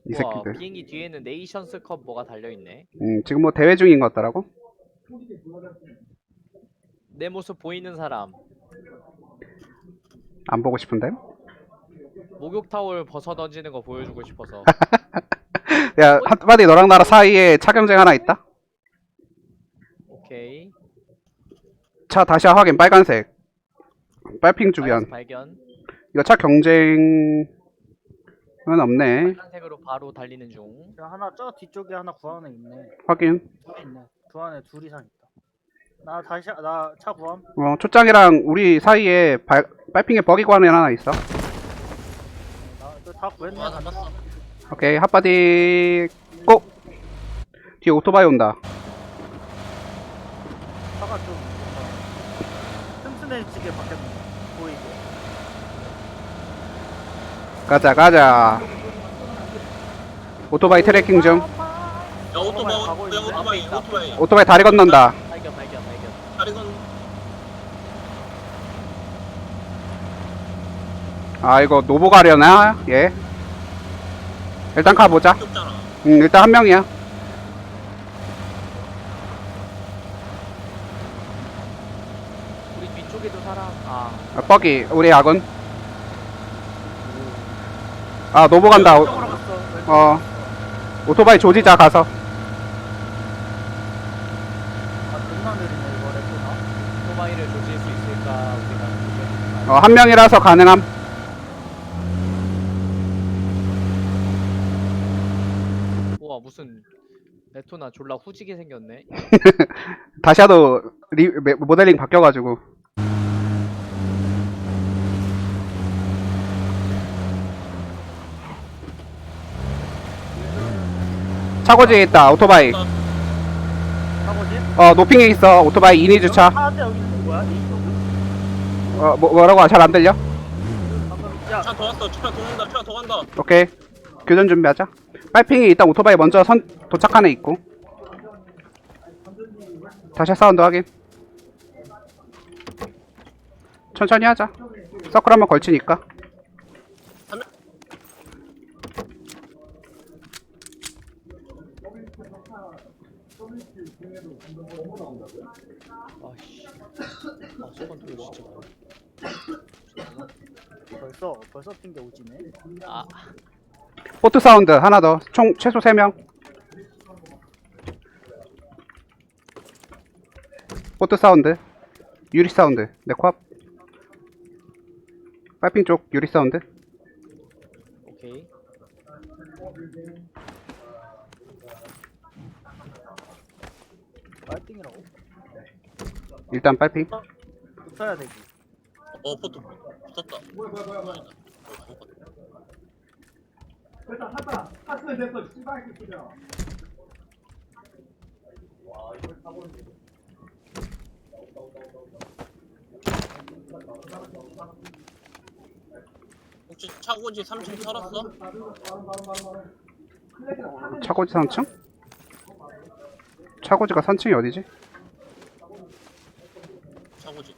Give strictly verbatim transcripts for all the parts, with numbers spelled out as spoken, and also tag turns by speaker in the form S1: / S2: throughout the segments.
S1: 이
S2: 우와,
S1: 새끼들.
S2: 비행기 뒤에는 네이션스컵 뭐가 달려있네.
S1: 음, 지금 뭐 대회 중인 것 같더라고.
S2: 내 모습 보이는 사람.
S1: 안 보고 싶은데.
S2: 목욕 타올 벗어 던지는 거 보여주고 싶어서.
S1: 야, 한마디 너랑 나랑 사이에 차 경쟁 하나 있다.
S2: 오케이.
S1: 차 다시 확인. 빨간색. 빨핑
S2: 빨간색
S1: 주변.
S2: 발견.
S1: 이거 차 경쟁은 없네.
S2: 빨간색으로 바로 달리는 중.
S3: 야, 하나 저 뒤쪽에 하나 구한에 있네.
S1: 확인.
S3: 둘 있네. 구한에 둘 이상 있다. 나 다시 나 차 구함.
S1: 어, 초장이랑 우리 사이에 발, 빨핑에 버기 관이 하나 있어.
S3: 나다 구했네.
S4: 아 잡았어.
S1: 오케이, 핫바디 고! 뒤에 오토바이 온다.
S3: 차가 좀 뭔가 튼튼해지게 바뀌었네. 보이게.
S1: 가자, 가자. 오토바이 트래킹 중.
S4: 야 오토바이
S3: 가고
S4: 야
S3: 있는데?
S4: 오토바이 오토바이
S1: 오토바이 다리 건넌다.
S2: 발견, 발견, 발견.
S4: 다리 건
S1: 아, 이거 노보 가려나? 예. 일단 가보자.
S4: 없잖아.
S1: 응, 일단 한 명이야.
S2: 우리 뒤쪽에도 사람. 아,
S1: 아, 버기, 우리 아군. 아, 노보 간다. 오-
S3: 왼쪽으로 갔어. 왼쪽.
S1: 어, 오토바이 조지자, 가서.
S3: 아 존나 느리네 이거 레토나.
S2: 오토바이를 조질 수 있을까? 우리가 고민이
S1: 어, 한 명이라서 가능함.
S2: 우와, 무슨 레토나 졸라 후지게 생겼네.
S1: 다시 하도 리, 메- 모델링 바뀌어가지고. 차고지에 있다, 오토바이.
S3: 차고지?
S1: 어, 노핑에 있어, 오토바이 이니 주차.
S3: 차한대 여기 있는 거야? 이쪽은?
S1: 어, 뭐, 뭐라고? 잘 안 들려?
S3: 방금 야
S4: 차 더 왔어. 차 더 간다. 차 더 간다.
S1: 오케이. 교전 준비하자. 빨핑이 일단 오토바이 먼저 선, 도착한 애 있고. 다시 사운드 확인. 천천히 하자. 서클 한번 걸치니까.
S2: 아씨. 아, 저건 또 진짜 많아.
S3: 벌써 벌써 핑계 오지네.
S2: 아,
S1: 포트 사운드 하나 더. 총 최소 세 명. 포트 사운드. 유리 사운드. 내 코앞. 빨핑 쪽 유리 사운드.
S2: 오케이.
S3: 빨핑이라고.
S1: 일단 빨핑.
S3: 붙어야 되지.
S4: 어 포트 붙었다. 혹시 차고지 삼 층 털었어?
S1: 차고지 삼 층? 차고지가 삼 층이 어디지?
S4: 차고지.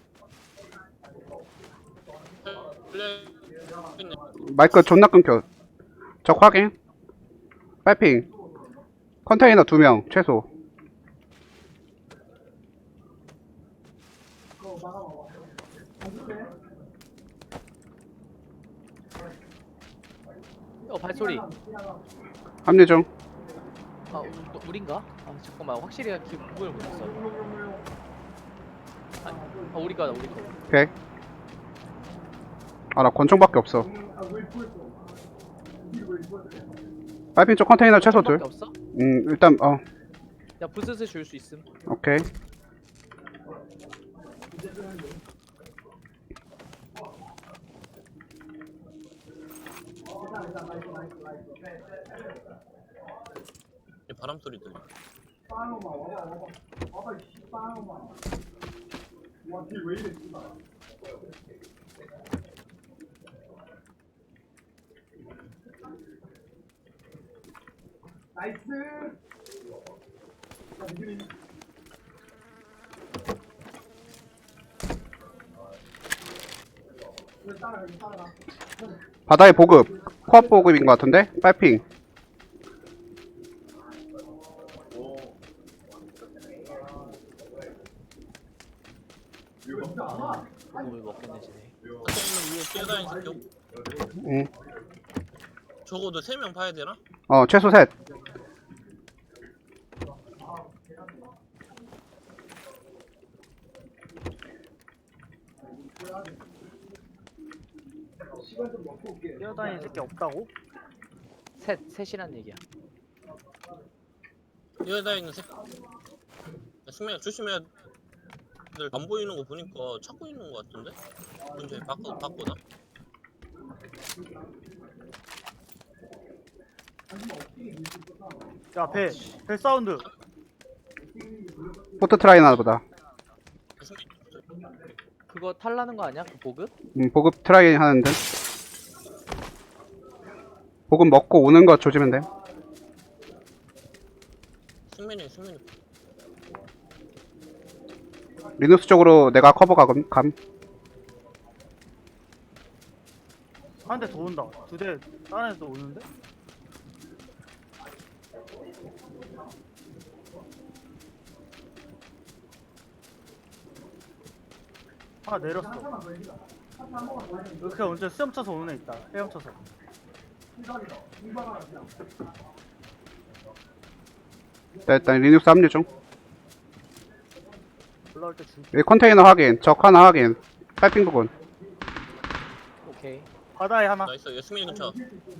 S4: 플레이 있네.
S1: 마이크 존나 끊겨. 적 확인. 빨핑. 컨테이너 두 명 최소.
S2: 어, 발소리.
S1: 합류 중.
S2: 아, 우, 너, 우린가? 아, 잠깐만. 확실히 기, 구분을 못했어. 아, 아, 우리 거다, 우리 거.
S1: 오케이. 아, 나 권총밖에 없어. 빨핑 쪽 컨테이너 최소 둘.
S2: 밖에 없어?
S1: 음, 일단 어,
S2: 야, 부스스 줄 수 있음.
S1: 오케이.
S4: 이제 바람 소리 들려.
S1: 바다의 보급. 코앞 보급인 것 같은데? 빨핑.
S2: 보급을 먹겠네 쟤네.
S4: 컨테이너 위에 뛰어다니는 새끼.
S1: 응.
S4: 적어도 세 명 봐야 되나?
S1: 어, 최소 셋.
S3: 뛰어다니는 새끼 없다고?
S2: 셋 셋이란 얘기야.
S4: 뛰어다니는 새끼. 승민아 조심해야 돼. 안 보이는 거 보니까 찾고 있는 거 같은데? 근처에 바꿔 바꿔나?
S3: 야, 배. 배 사운드.
S1: 포트 트라이 나보다
S4: 승민
S2: 그거 탈라는 거 아니야? 그 보급?
S1: 음, 보급 트라이 하는데. 보급 먹고 오는 거 조지면 돼.
S4: 승민이 승민이
S1: 리누스 쪽으로 내가 커버 가금, 감.
S3: 한 대 더 온다. 두 대, 다른 애도 오는데? 하나 내렸어. 이렇게 언제 수염 쳐서 오는 애 있다. 헤엄 쳐서.
S1: 자, 일단 리눅스 합류 중.
S3: 올라올 때 줄.
S1: 여기 컨테이너 확인. 적 하나 확인. 파이핑 부분.
S2: 오케이.
S3: 바다에 하나.
S4: 나이스. 얘 승민이 근처.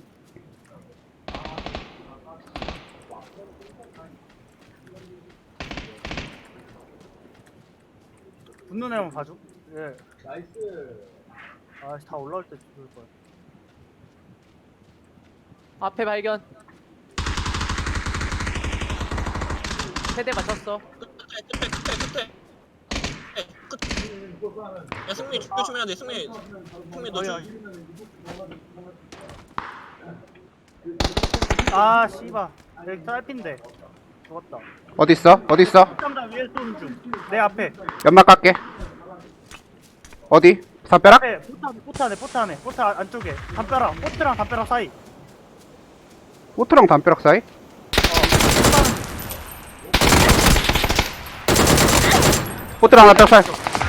S3: 붙는 애만 봐줘. 예. 나이스. 아씨, 다 올라올 때 죽을 거야.
S2: 앞에 발견. 세대 맞췄어.
S4: 끝에 끝에 끝에 끝에. 끝. 야 승민이 조심해야 돼. 승민이 승민이 너
S3: 어이,
S4: 좀.
S3: 아, 씨발. 여기 짧인데. 죽었다.
S1: 어딨어? 어딨어?
S3: 깜짝 위에 쏘는 중. 내 앞에.
S1: 연막 깎게. 어디? 담벼락?
S3: 앞에 포트 안에, 포트 안에, 포트 안에, 포트 안- 안쪽에. 담벼락, 포트랑 담벼락 사이.
S1: 포트랑 담벼락 사이? 포트랑 담벼락 사이.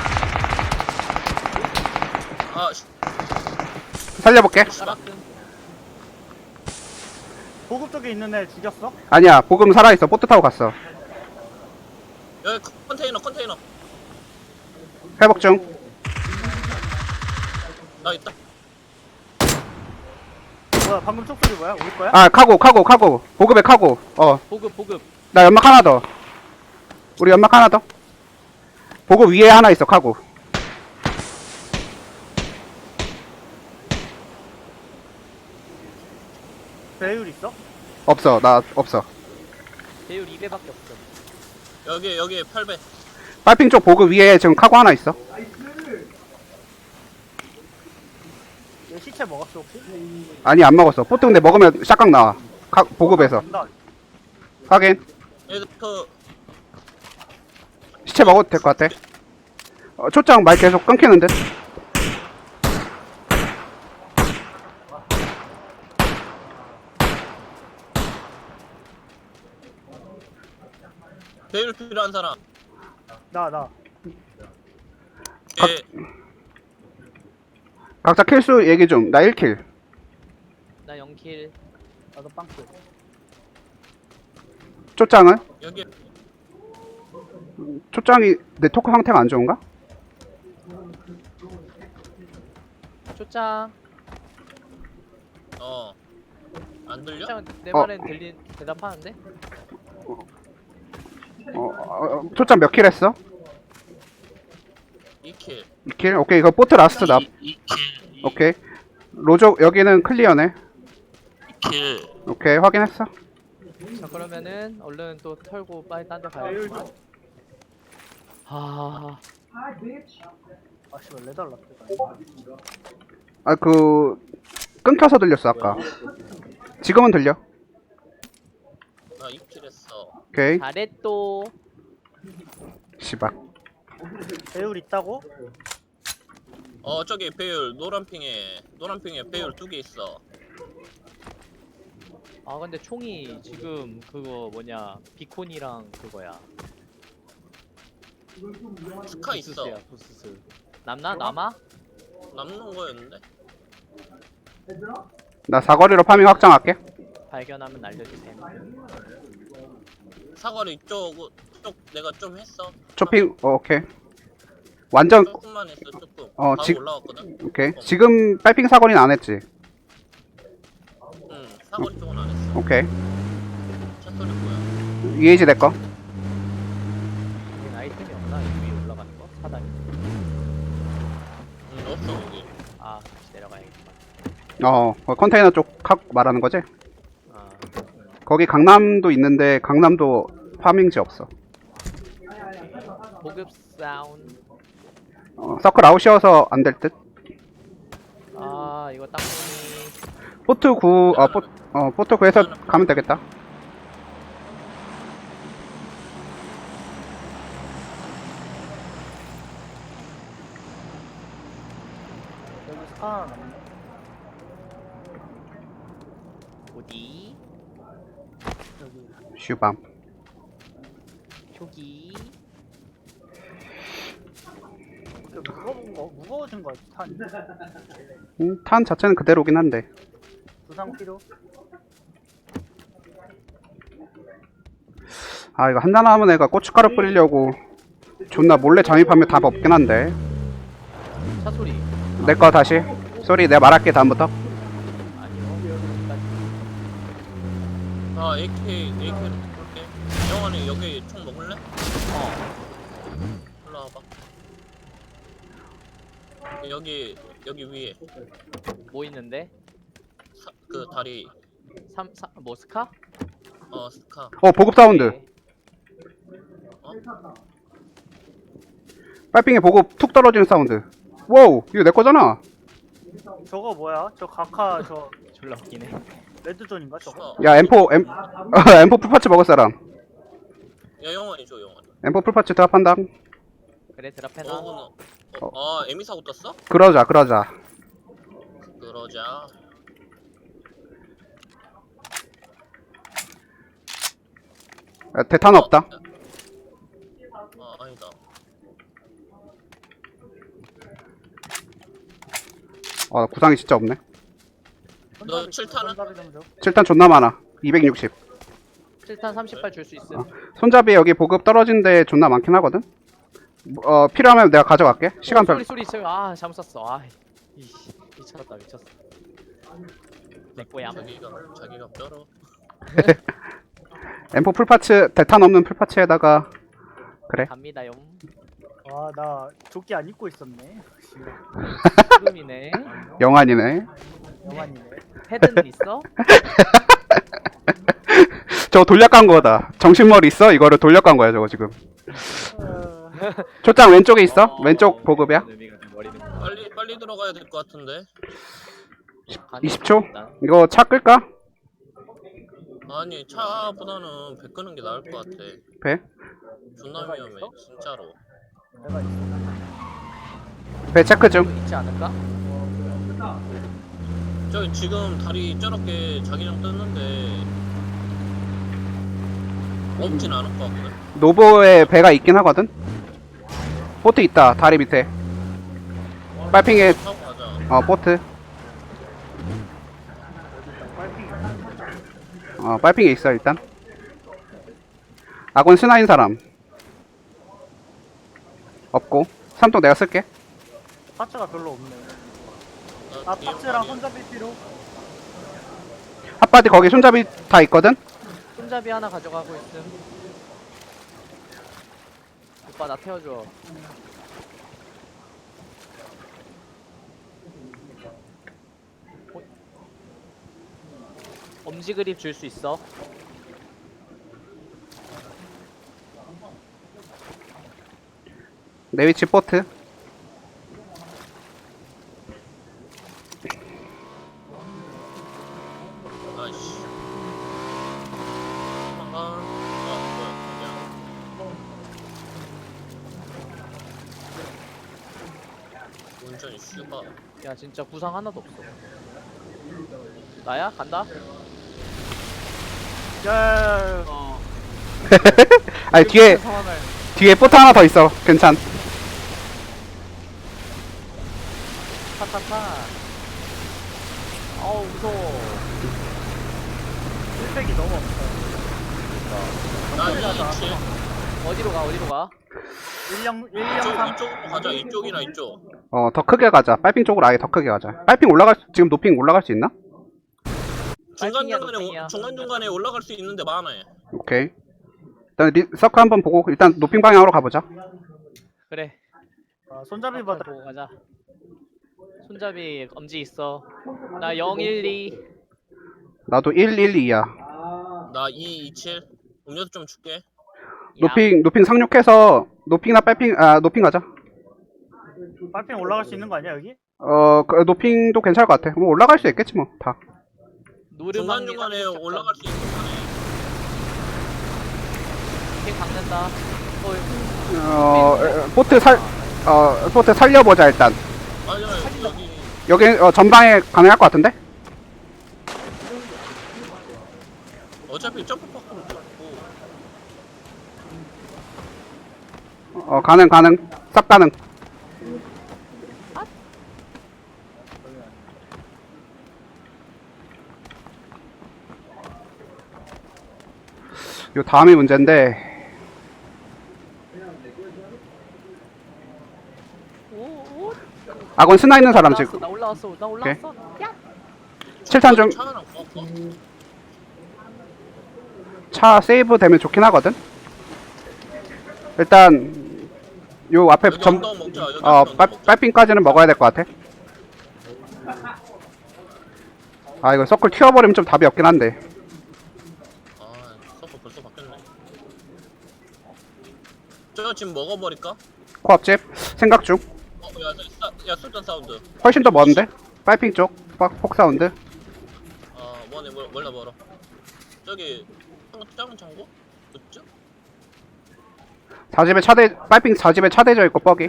S4: 아 씨.
S1: 살려볼게.
S2: 따라끔.
S3: 보급 쪽에 있는 애 죽였어?
S1: 아니야, 보금 살아있어. 포트 타고 갔어.
S4: 여기 컨테이너 컨테이너.
S1: 회복 중.
S4: 나 있다.
S3: 뭐야, 방금 촉소리 뭐야? 우리 거야?
S1: 아, 카고, 카고, 카고. 보급에 카고. 어,
S2: 보급 보급.
S1: 나 연막 하나 더. 우리 연막 하나 더. 보급 위에 하나 있어, 카고.
S3: 배율 있어?
S1: 없어, 나 없어.
S2: 배율 이 배밖에 없어.
S4: 여기 여기 팔 배.
S1: 빨핑 쪽 보급 위에 지금 카고 하나 있어.
S3: 얘 시체 먹었어 혹시?
S1: 아니, 안 먹었어. 포트 근데 먹으면 샷각 나와. 카, 보급에서.
S3: 간다.
S1: 확인.
S4: 얘들 그
S1: 시체 먹어도 될 것 같아. 어, 초장 말 계속 끊기는 듯.
S4: 배율 필요한 사람.
S3: 나, 나.
S4: 얘
S1: 각자 킬수 얘기 좀. 나 일 킬.
S2: 나 영 킬.
S3: 나도 빵꾸.
S1: 초장은?
S4: 여기
S1: 초장이 내 토크 상태가 안 좋은가?
S2: 초짱.
S4: 어. 안 들려?
S2: 초짱 내
S1: 어.
S2: 말엔 들린 대답하는데?
S1: 어, 어, 어, 초장 몇 킬 했어?
S4: 이 킬.
S1: 이 킬? 오케이, 이거 포트 라스트 나.
S4: 이 킬.
S1: 오케이. 로조, 여기는 클리어네.
S4: 이 킬.
S1: 오케이, 확인했어.
S2: 자 그러면은 얼른 또 털고 빨리 딴 데
S3: 배율
S2: 가야겠다.
S3: 좀.
S2: 아
S3: 아, 씨발, 레달 났다.
S1: 아, 그, 끊겨서 들렸어, 아까. 지금은 들려.
S4: 나 이 킬 했어.
S1: 오케이.
S2: 잘했또.
S1: 씨발.
S3: 배율 있다고?
S4: 어 저기 배율 노란핑에 노란핑에 배율 두 개 있어.
S2: 아 근데 총이 지금 그거 뭐냐 비콘이랑 그거야.
S4: 스카 있어.
S2: 부스스야 부스스. 남나? 남아?
S4: 남는 거였는데.
S1: 나 사거리로 파밍 확장할게.
S2: 발견하면 알려주세요.
S4: 사거리 쪽, 쪽 내가 좀 했어.
S1: 쇼핑 어, 오케이. 완전
S4: 조금만 했어 조금.
S1: 어,
S4: 바로
S1: 지-
S4: 올라왔거든.
S1: 오케이. 지금 빨핑 사거리는 안 했지.
S4: 응 사거리 쪽은 안 했어.
S1: 오케이.
S4: 차 소리 뭐야?
S1: 이에이지 내 거.
S2: 여긴 아이템이 없나? 이 위에 올라가는 거? 사다리?
S4: 응 없어 여기.
S2: 아 다시 내려가야겠구만.
S1: 어, 어, 컨테이너 쪽 각 말하는 거지?
S2: 아
S1: 거기 강남도 있는데 강남도 파밍지 없어.
S2: 보급 사운드.
S1: 어, 서클 아웃이어서 안 될 듯.
S2: 아 이거 땅콩이.
S1: 포트 구, 어, 포, 어, 포트 구에서 가면 되겠다.
S3: 여기 스카 하나 남네.
S2: 어디?
S3: 여기.
S1: 슈밤.
S2: 표기.
S3: 그 무거운 거 무거워진 거 탄.
S1: 음, 탄 자체는 그대로긴 한데.
S3: 부상 필요?
S1: 아, 이거 한잔 하면 애가 고춧가루 뿌리려고 존나 몰래 잠입하면 답 없긴 한데.
S2: 차 소리.
S1: 내 거 다시. 쏘리, 내가 말할게, 다음부터.
S2: 아니요. 여기까지.
S4: 아 에이케이 에이케이로 볼게. 영환이 여기 총 먹을래?
S2: 어.
S4: 올라와봐. 여기 여기 위에
S2: 뭐 있는데?
S4: 사, 그 다리
S2: 삼, 삼, 뭐 스카?
S4: 어 스카.
S1: 어, 보급 사운드.
S2: 네.
S1: 빨핑에 보급 툭 떨어지는 사운드. 와우, 이거 내 거잖아.
S3: 저거 뭐야? 저 가카 저
S2: 졸라 웃기네.
S3: 레드존인가 저거?
S4: 스카.
S1: 야, 엠포, 엠, 엠포 풀파츠 먹을 사람.
S4: 야 영환이 줘 영환이.
S1: 엠포 풀파츠 드랍한다.
S2: 그래 드랍해놔.
S4: 어, 어, 어, 아 에미 사고 떴어?
S1: 그러자, 그러자.
S4: 그러자.
S1: 야, 대탄 없다.
S4: 아 아니다.
S1: 어, 구상이 진짜 없네.
S4: 너 칠 탄은?
S3: 손잡이 좀 줘.
S1: 칠 탄 존나 많아. 이백육십.
S2: 칠 탄 삼십 발 줄 수 있음.
S1: 어. 손잡이 여기 보급 떨어진 데 존나 많긴 하거든. 어, 필요하면 내가 가져갈게. 시간
S2: 어,
S1: 별.
S2: 소리 소리 소리. 아 잘못 쐈어. 아 이씨 미쳤다 미쳤어. 내 거야.
S4: 자기가 자기가 뼈로.
S1: 엠포 풀파츠, 대탄 없는 풀파츠에다가. 그래.
S2: 갑니다요.
S3: 와나 조끼 안 입고 있었네.
S2: 지금이네.
S1: 영환이네.
S3: 영환이네.
S2: 헤드는 있어?
S1: 저거 돌려간 거다. 정신머리 있어? 이거를 돌려간 거야, 저거 지금.
S3: 어,
S1: 초장 왼쪽에 있어? 왼쪽 보급이야?
S2: 의미가 좀 머리는
S4: 빨리 빨리 들어가야 될 것 같은데.
S1: 이십 초? 이거 차 끌까?
S4: 아니 차보다는 배 끄는 게 나을 것 같아.
S1: 배?
S4: 존나 위험해 진짜로.
S3: 내가 있어.
S1: 배 체크 중.
S2: 있지 않을까?
S4: 저기 지금 다리 저렇게 자기장 떴는데 없진 않을 것 같거든.
S1: 노보에 배가 있긴 하거든? 보트 있다, 다리 밑에. 빨핑에,
S4: 타고 가자.
S1: 어, 보트. 어, 빨핑에 있어, 일단. 아군 스나인 사람. 없고. 삼통 내가 쓸게.
S3: 파츠가 별로 없네.
S4: 나
S3: 아
S4: 뒤에
S3: 파츠랑
S4: 아니야.
S3: 손잡이 필요?
S1: 핫바디 거기 손잡이 다 있거든?
S2: 손잡이 하나 가져가고 있음. 오빠 나 태워줘. 어? 엄지 그립 줄 수 있어?
S1: 내 위치 보트.
S4: 아이씨. 아, 아 뭐야 그냥. 운전이 슈바.
S2: 야 진짜 구상 하나도 없어. 나야? 간다?
S3: 야,
S2: 어.
S1: 아니, 뒤에,
S2: 상황을.
S1: 뒤에 보트 하나 더 있어. 괜찮.
S2: 막판. 어우 무서워.
S3: 힐팩이 너무 없어.
S4: 나
S3: 천천히 가자.
S4: 이이칠.
S2: 어디로 가 어디로 가?
S3: 일영
S4: 이쪽
S3: 일영삼.
S4: 이쪽으로 가자. 이쪽이나 이쪽.
S1: 어, 더 크게 가자. 빨핑 쪽으로 아예 더 크게 가자. 빨핑 올라갈 수, 지금 노핑 올라갈 수 있나?
S4: 중간
S2: 빨핑이야,
S4: 중간에
S2: 노핑이야.
S4: 중간 중간에 올라갈 수 있는데 많아요.
S1: 오케이. 일단 리, 서클 한번 보고 일단 노핑 방향으로 가보자.
S2: 그래.
S3: 아, 손잡이 받아.
S2: 보고 가자. 손잡이 엄지 있어. 나 영 일 이.
S1: 나도 일 일 이야.
S4: 나 이이칠. 음료수 좀 줄게.
S1: 노핑 노핑 상륙해서 노핑이나 빨핑 아 노핑 가자.
S3: 빨핑 올라갈 수 있는 거 아니야 여기?
S1: 어, 그, 노핑도 괜찮을 것 같아. 뭐 올라갈 수 있겠지 뭐 다.
S4: 중간
S2: 노르망
S4: 중간에 올라갈 수 있는 거네.
S2: 이렇게 박는다. 어,
S1: 어, 에, 보트 살, 어, 보트 살려보자 일단.
S4: 맞아요. 여기
S1: 여기 어, 전방에 가능할 것 같은데?
S4: 어차피 점프 파크로 고
S1: 어, 가능 가능. 싹 가능. 요 다음이 문제인데.
S2: 오, 오.
S1: 아건 스나 있는 사람
S2: 올라왔어,
S1: 지금.
S2: 나 올라왔어. 나 올라왔어. 야.
S1: 칠탄 중.
S4: 차 하나 구웠어.
S1: 차 세이브 되면 좋긴 하거든. 일단 요 앞에
S4: 여기
S1: 점,
S4: 언덕 먹자. 여기
S1: 어,
S4: 언덕
S1: 빨,
S4: 먹자.
S1: 빨핑까지는 먹어야 될 것 같아. 아 이거 서클 튀어버리면 좀 답이 없긴 한데.
S4: 아, 서버 벌써 바뀌었네. 저 지금 먹어버릴까?
S1: 코앞집 생각 중.
S4: 어, 야, 야, 야, 술탄 사운드.
S1: 훨씬 더 먼데? 빨핑 쪽 폭, 폭 사운드.
S4: 아, 뭐네, 뭐, 몰라, 멀어. 저기, 한국 작은 창고? 그죠?
S1: 사집에 차대 빨핑 사집에 차대져 있고 뻑이.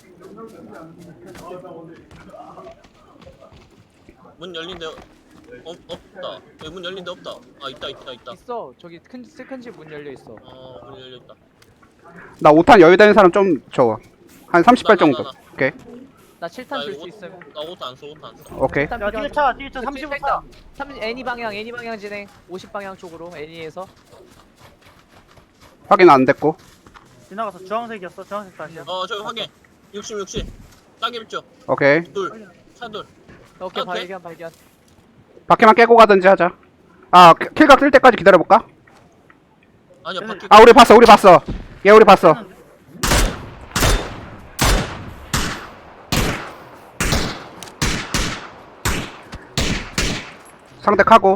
S4: 문 열린데, 어, 없다. 여기 문 열린데 없다. 아, 있다, 있다, 있다.
S2: 있어. 저기 큰 세컨 집 문 열려 있어.
S4: 어, 문 열렸다.
S1: 나 오 탄 여유 되는 사람 좀 줘. 한 삼십 발
S4: 나, 나,
S1: 정도.
S4: 나, 나.
S1: 오케이.
S2: 나 칠 탄
S4: 나
S2: 줄
S4: 이거
S2: 수 있음.
S4: 나 옷 안 써, 옷 안 써.
S1: 오케이.
S2: 일단
S3: 야 뒤에
S2: 필요하다.
S3: 차 뒤에 차
S2: 그치,
S3: 삼십오
S2: 일단
S3: 차.
S2: 삼 애니 방향 애니 방향 진행. 오십 방향 쪽으로 애니에서.
S1: 확인 안 됐고.
S3: 지나가서 주황색이었어. 주황색 다시야.
S4: 어, 저기 확인. 육십, 육십. 딱 입죠.
S1: 오케이.
S4: 둘. 차 둘.
S2: 오케이
S4: 오케이.
S2: 발견 발견.
S1: 바퀴만 깨고 가든지 하자. 아 킬- 킬각 뜰 때까지 기다려볼까?
S4: 아니야, 바퀴.
S1: 아 우리 봤어 우리 봤어. 얘 우리 봤어. 상대 카고.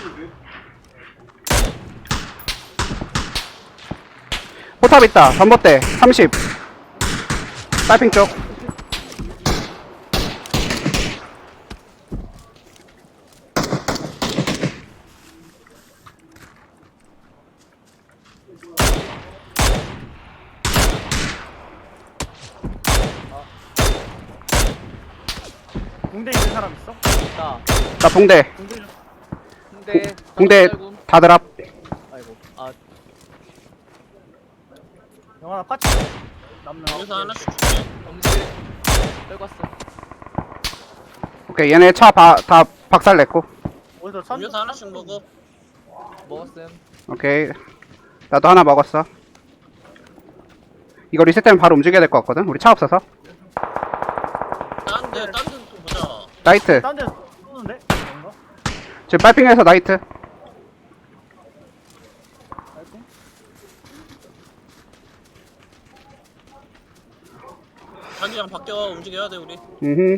S1: 포탑 있다. 전봇대 삼십. 빨핑 쪽.
S3: 공대 있는 사람 있어?
S2: 나
S1: 나 붕대.
S3: 공대 좀.
S2: 근데
S1: 붕대 다들 앞.
S2: 아이고 아
S3: 영화나 파츠. 남는.
S4: 여기서 하나씩 줄게.
S2: 엄지 떨궜어.
S1: 오케이 얘네 차 다 박살 냈고.
S3: 어디서 천?
S4: 음료수 하나씩 먹어.
S2: 먹었음.
S1: 오케이 나도 하나 먹었어. 이거 리셋되면 바로 움직여야 될 것 같거든. 우리 차 없어서.
S4: 딴 데, 딴 데 또 보자.
S1: 나이트.
S3: 딴 데서 쏘는데? 뭔가?
S1: 지금 빨핑에서 나이트.
S3: 빨핑?
S4: 자기랑 바뀌어 움직여야 돼, 우리.
S1: 음.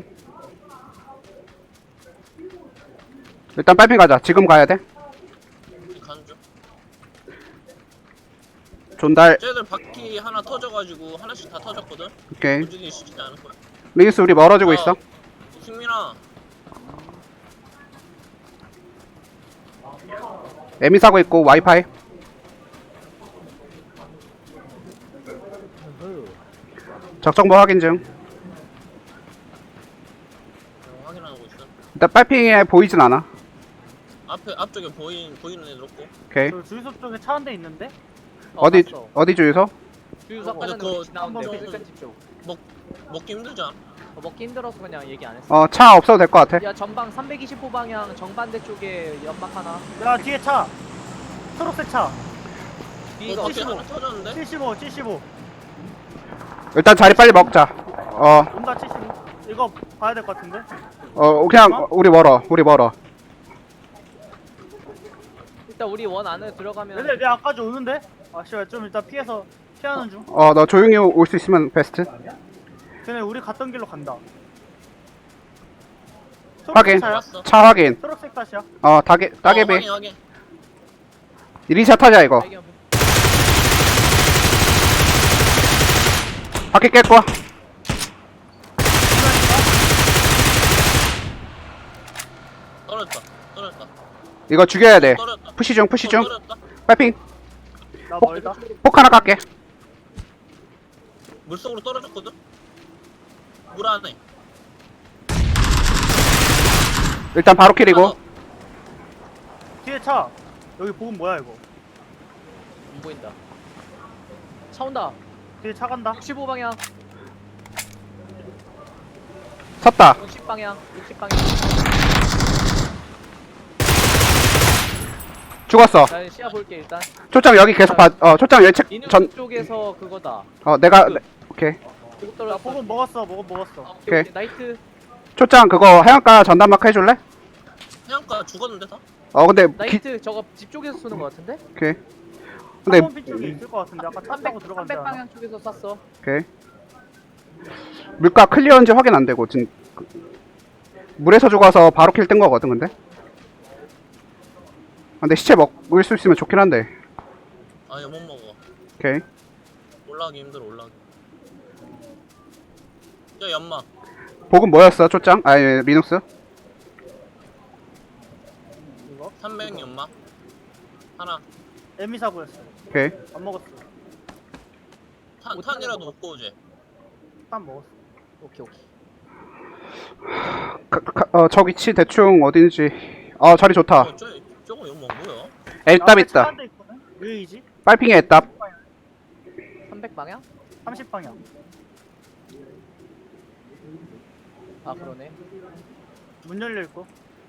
S1: 일단 빨핑 가자. 지금 가야 돼.
S4: 우리 가는 중.
S1: 존달.
S4: 쟤들 바퀴 하나 터져가지고 하나씩 다 터졌거든?
S1: 오케이.
S4: 움직이기 쉽지 않을 거야.
S1: 리기스 우리 멀어지고
S4: 어.
S1: 있어.
S4: 승민아,
S1: 에미 사고 있고 와이파이. 적정보 확인 중.
S4: 어, 확인하고 있어.
S1: 일단 빨핑에 보이진 않아.
S4: 앞에, 앞쪽에 보인, 보이는 애들 없고.
S1: 오케이.
S3: 저 주유소 쪽에 차 한 대 있는데?
S1: 어디
S2: 봤어.
S1: 어디 주유소?
S2: 주유소
S4: 근데
S2: 아까 전에
S4: 그거
S2: 우리 지나온데
S4: 좀-
S2: 세컨 집 쪽.
S4: 먹, 먹기 힘들지 않아?
S2: 어, 먹기 힘들어서 그냥 얘기 안 했어.
S1: 어 차 없어도 될 것 같아.
S2: 야 전방 삼백이십오 방향 정반대 쪽에 연막 하나.
S3: 야 뒤에 차 초록색 차
S2: 뒤가
S4: 어, 밖에
S2: 어디고?
S4: 하나 터졌는데?
S3: 칠십오 칠십오
S1: 일단 자리 빨리 먹자. 어,
S3: 온다 칠십오 이거 봐야 될 것 같은데
S1: 어 그냥 우리 멀어. 우리 멀어.
S2: 일단 우리 원 안에 들어가면.
S3: 근데 내 앞까지 오는데? 아 씨발 좀 일단 피해서 피하는 중
S1: 어 너 조용히 올 수 있으면 베스트.
S3: 걔네 우리 갔던 길로 간다
S1: 확인.
S3: 초록색 차야?
S4: 왔어.
S1: 차 확인.
S3: 초록색 다시야
S1: 어 따개
S4: 어,
S1: 따개비.
S4: 확인 확인.
S1: 이리샷 타자 이거.
S2: 발견.
S1: 바퀴 깼고.
S4: 떨어졌다. 떨어졌다.
S1: 이거 죽여야 돼.
S4: 떨어졌다.
S1: 푸시 중 푸시 중.
S4: 떨어졌다.
S1: 빨핑.
S3: 나 멀다
S1: 폭 하나 깎게.
S4: 물속으로 떨어졌거든. 물 안에.
S1: 일단 바로 킬이고.
S4: 하나 더.
S3: 뒤에 차 여기 보급 뭐야 이거
S2: 안 보인다. 차 온다.
S3: 뒤에 차 간다
S2: 육십오 방향.
S1: 섰다.
S2: 육십 방향. 육십 방향.
S1: 죽었어.
S2: 나 시야 볼게 일단.
S1: 초장 여기 계속 봐. 어 초장 예측
S2: 이누
S1: 전.
S2: 쪽에서 그거다.
S1: 어 내가 네, 오케이.
S2: 보급
S3: 나
S2: 떨어졌어.
S3: 보급 먹었어 보급
S2: 아,
S3: 먹었어
S2: 오케이,
S1: 오케이.
S2: 오케이. 나이트.
S1: 초장 그거 해안가 전담 마크 해줄래?
S4: 해안가 죽었는데 다?
S1: 어 근데 기,
S2: 나이트 저거 집 쪽에서 쏘는 거 같은데?
S1: 오케이. 근데
S3: 한번핀 쪽에 있을 것 같은데 아까 차
S2: 삼백,
S3: 타고 들어간 데
S2: 삼백 방향 쪽에서 쐈어.
S1: 오케이. 물가 클리어인지 확인 안 되고 진 그- 물에서 죽어서 바로 킬 뜬 거거든 근데. 아, 근데 시체 먹을 수 있으면 좋긴 한데.
S4: 아니 못 먹어.
S1: 오케이.
S4: 올라가기 힘들어 올라가기. 야 연마.
S1: 복은 뭐였어 초장? 아니 리눅스?
S3: 이거
S4: 삼백 연마. 하나.
S3: 에미 사고였어
S1: 오케이.
S3: 안 먹었어
S4: 탄 탄이라도 먹고 오지.
S3: 딱 먹었어
S2: 오케이 오케이.
S1: 가, 가, 어, 저 위치 대충 어딘지. 어 자리 좋다.
S4: 어, 저 저거 연마 뭐야?
S1: 애답 있다.
S3: 데 있거든 유이지
S1: 빨핑에 애답.
S2: 삼백 방향?
S3: 삼십 방향
S2: 아 그러네.
S3: 문 열려 있고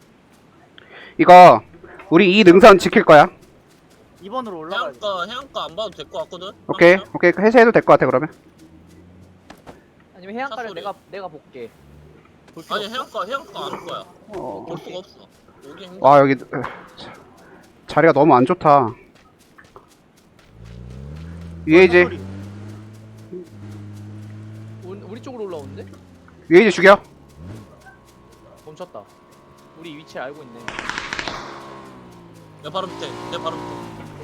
S1: 이거 우리 이 능선 지킬 거야.
S3: 이 번으로 올라가야지
S4: 해안가 해안가 안 봐도 될 것 같거든.
S1: 오케이.
S4: 그러면?
S1: 오케이. 해제해도 될 것 같아 그러면.
S2: 아니면 해안가를
S4: 차 소리.
S2: 내가 내가 볼게. 볼 필요
S4: 아니
S2: 없어?
S4: 해안가 해안가 안 올 거야.
S1: 어.
S4: 볼 수가 없어. 여기 힘들어.
S1: 와 여기 으, 자, 자리가 너무 안 좋다. 유에이지
S3: 소리.
S2: 우- 우리 쪽으로 올라오는데?
S1: 유에이지 죽여.
S2: 멈췄다. 우리 위치 알고 있네.
S4: 내 바로 밑에. 내 바로 밑에.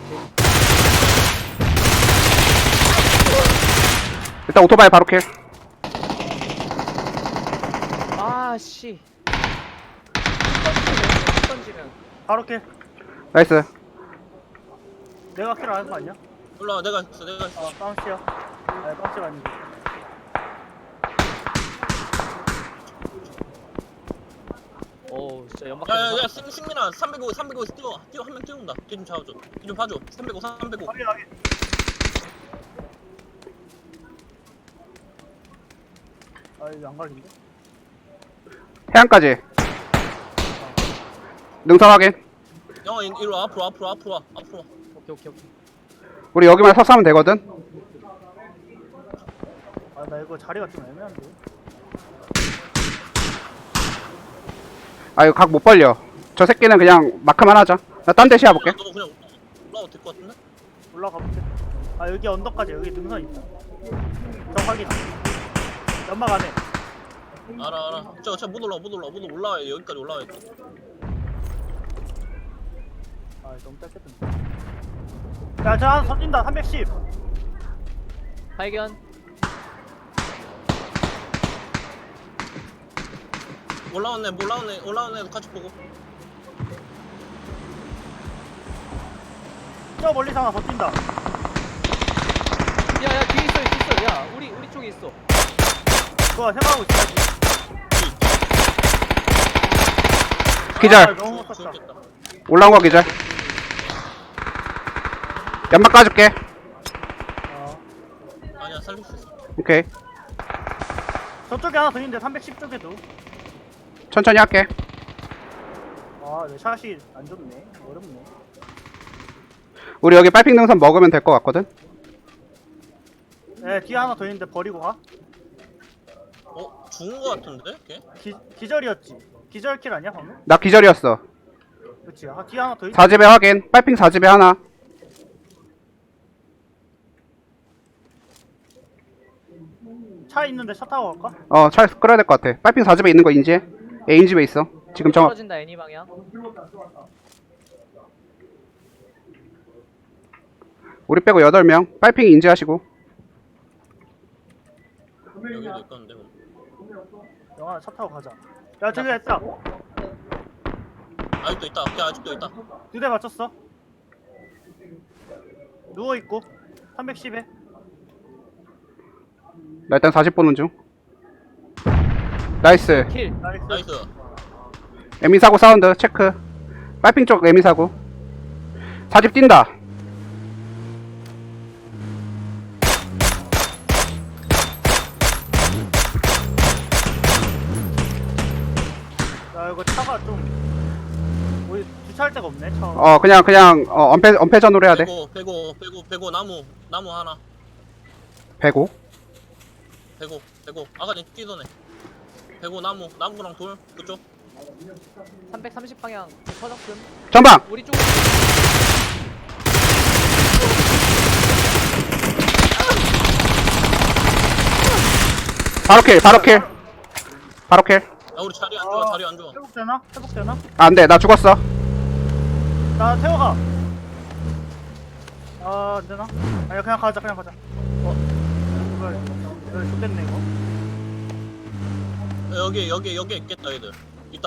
S1: 일단 오토바이 바로 킬.
S2: 아 씨. 던지면 던지면.
S3: 바로 킬
S1: 나이스.
S3: 내가 킬 하는 거 아니야?
S4: 올라와 내가 있어 내가 있어.
S3: 어 깜치야 아니 깜치가 아니고
S2: 오 진짜 연막.
S4: 야야야 승민아 삼백오 삼백오 뛰어 뛰어 한 명 뛰어온다. 뒤 좀 잡아줘. 뒤 좀 봐줘. 삼백오 삼백오.
S3: 확인 확인 아 이거 안 갈린데?
S1: 해안까지. 능선 확인.
S4: 형 이- 이리 와 앞으로 앞으로 앞으로 와 앞으로 와.
S2: 오케이 오케이 오케이.
S1: 우리 여기만 서서 하면 되거든.
S3: 아 나 이거 자리가 좀 애매한데
S1: 아 이거 각 못 벌려. 저 새끼는 그냥 마크만 하자. 나 딴 데 시야볼게.
S4: 너 그냥 올라와도 될 것 같은데?
S3: 올라가 볼게 아 여기 언덕까지 여기 능선 있다 저 확인 연막 안에
S4: 알아 알아. 저저못 올라 못 올라 못 올라와 여기까지 올라와야 돼.
S3: 아 너무 짧겠던데 야저 하나 던진다 삼백십
S2: 발견.
S4: 올라오네 올라오네 올라오네 같이 보고.
S3: 저 멀리서 하나 더 뛴다
S2: 야야 뒤에 있어 있어. 야 우리 우리 쪽에 있어.
S3: 그거 생각하고 있어야지
S1: 기절.
S3: 아, 너무 못 쳤다
S4: 죽겠다.
S1: 올라온 거 기절. 연막 까줄게.
S3: 어.
S4: 아니야 살릴 수 있어.
S1: 오케이.
S3: 저쪽에 하나 더 있는데 삼백십 쪽에도.
S1: 천천히 할게.
S3: 아, 내 샷이 안 좋네. 어렵네.
S1: 우리 여기 빨핑 능선 먹으면 될 것 같거든.
S3: 네, 뒤에 하나 더 있는데 버리고 가.
S4: 어? 죽은 거 같은데? 걔?
S3: 기, 기절이었지. 기절킬 아니야 방금?
S1: 나 기절이었어.
S3: 그치. 아, 뒤에 하나 더 있.
S1: 사 집에 확인. 빨핑 사 집에 하나.
S3: 차 있는데 차 타고 갈까?
S1: 어, 차 끌어야 될 것 같아. 빨핑 사 집에 있는 거 인지해. A인 집에 있어. 지금 정확.
S2: 떨어진다 애니 방향.
S1: 우리 빼고 여덟 명. 빨핑 인지하시고.
S4: 여기도 있었는데 뭐.
S3: 영아 차 타고 가자. 야, 저기 있다.
S4: 아직도 있다. 걔 아직도 있다.
S3: 두 대 맞췄어. 누워 있고. 삼백십에.
S1: 나 일단 사 집 보는 중. 나이스.
S2: 킬.
S3: 나이스.
S4: 나이스.
S1: 에미 사고 사운드 체크. 빨핑 쪽 에미 사고. 사 집 뛴다.
S3: 야, 이거 차가 좀 우리 주차할 데가 없네. 차.
S1: 어, 그냥 그냥 어, 엄폐 엄폐전으로 해야 돼.
S4: 빼고 빼고 빼고 빼고 나무 나무 하나.
S1: 배고.
S4: 빼고 빼고 아까 전 뛰던 애. 빼고 나무 나무랑 돌 그쪽.
S2: 삼백삼십 방향 서적금.
S1: 전방.
S2: 우리 쪽.
S1: 바로 킬. 바로 킬. 바로 킬.
S4: 야 우리 자리 안 좋아. 자리 안 좋아.
S3: 회복되나? 회복되나?
S1: 아, 안 돼. 나 죽었어.
S3: 나 태워가. 아, 안 되나? 아니, 그냥 가자, 그냥 가자. 어, 이걸, 이걸 좋겠네, 이거.
S4: 야, 여기 여기 여기 있겠다 얘들. 있다.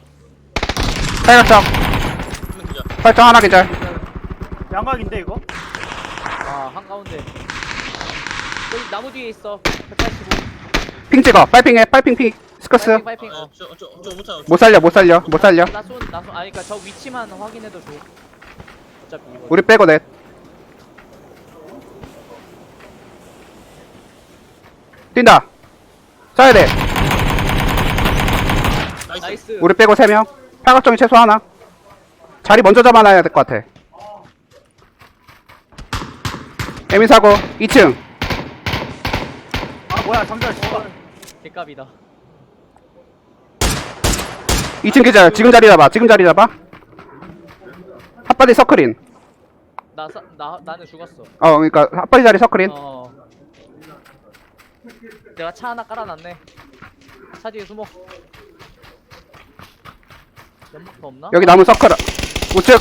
S1: 탈각정.
S4: 한명 기자.
S1: 설정 하나 기절.
S3: 양각인데, 이거?
S2: 아 한가운데. 여기 나무 뒤에 있어. 백팔십오.
S1: 핑 찍어. 빨핑해. 빨핑 핑. 스커스.
S2: 파이팅 파이팅. 어.
S4: 어저저저 못하요.
S1: 못 살려. 못 살려. 못 살려.
S2: 나쏜 나쏜 아니 그니까 저 위치만 확인해도 줘. 어차피 이거.
S1: 우리 빼고 넷. 뛴다. 쏴야 돼.
S4: 나이스.
S2: 나이스.
S1: 우리 빼고 세 명. 팔각정이 최소 하나. 자리 먼저 잡아놔야 될 것 같아. 에미 사고 이 층.
S3: 아, 뭐야, 잠시만, 씨발.
S2: 개값이다.
S1: 이 층 기절. 지금 자리 잡아. 지금 자리 잡아. 핫바디 서클인.
S2: 나, 사, 나 나는 죽었어.
S1: 어, 그러니까 핫바디 자리 서클인.
S2: 어. 내가 차 하나 깔아놨네. 차 뒤에 숨어. 연막도 없나?
S1: 여기 나무 서클. 우측.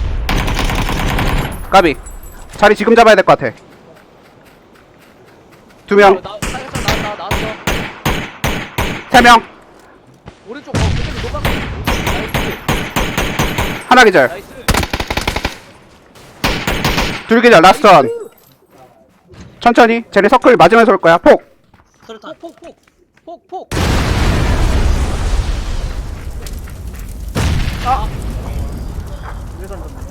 S1: 까비. 자리 지금 잡아야 될 것 같아. 두 명,
S2: 어, 나 사격장 나왔다 나왔어.
S1: 세 명,
S2: 오른쪽 어 그쪽에 노박. 나이스.
S1: 하나 기절.
S2: 나이스.
S1: 둘 기절. 라스트 원. 천천히. 쟤네 서클 맞으면서 올 거야. 폭.
S4: 스르탄.
S2: 폭폭폭 폭폭.
S3: 아! 왜 던졌네.